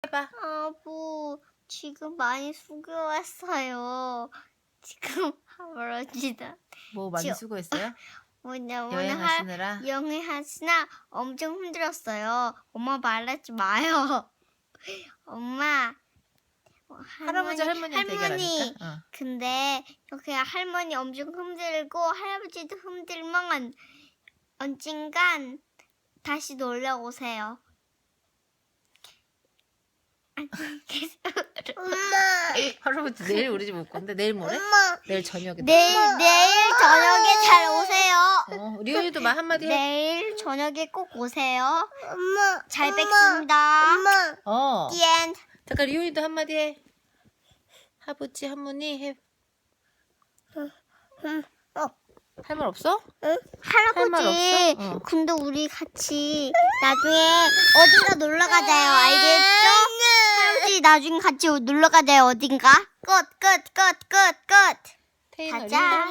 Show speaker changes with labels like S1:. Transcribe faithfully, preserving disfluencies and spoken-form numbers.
S1: 해봐.
S2: 아부 지금 많이 수고했어요. 지금 할아버지다.
S1: 뭐 많이
S2: 저-
S1: 수고했어요?
S2: 오늘 오늘
S1: 여행하시느라?
S2: 여행하시나 엄청 힘들었어요. 엄마 말하지 마요. 엄마.
S1: 할아버지 할머니한테
S2: 할머니.
S1: 얘기하니까. 어.
S2: 근데 이렇게 할머니 엄청 힘들고 할아버지도 힘들면 언젠간 다시 놀러 오세요. 안녕히 계세요.
S3: 엄마.
S1: 할아버지 내일 우리 집 올 건데 내일 모레?
S3: 엄마.
S1: 내일 저녁에.
S2: 내일 내일 저녁에 잘 오세요.
S1: 어, 리온이도 말 한마디 해.
S2: 내일 저녁에 꼭 오세요.
S3: 엄마.
S2: 잘
S3: 엄마.
S2: 뵙겠습니다.
S3: 엄마.
S1: 어.
S2: The end.
S1: 잠깐 리온이도 한마디 해. 할아버지 할머니 해.
S3: 어.
S1: 할 말 없어?
S2: 할아버지,
S1: 말 없어? 어.
S2: 근데 우리 같이 나중에 어딘가 놀러 가자요. 알겠죠? 할아버지 나중에 같이 놀러 가자요. 어딘가? 끝, 끝, 끝, 끝, 끝.
S1: 태인아,
S2: 가자.
S1: 리온도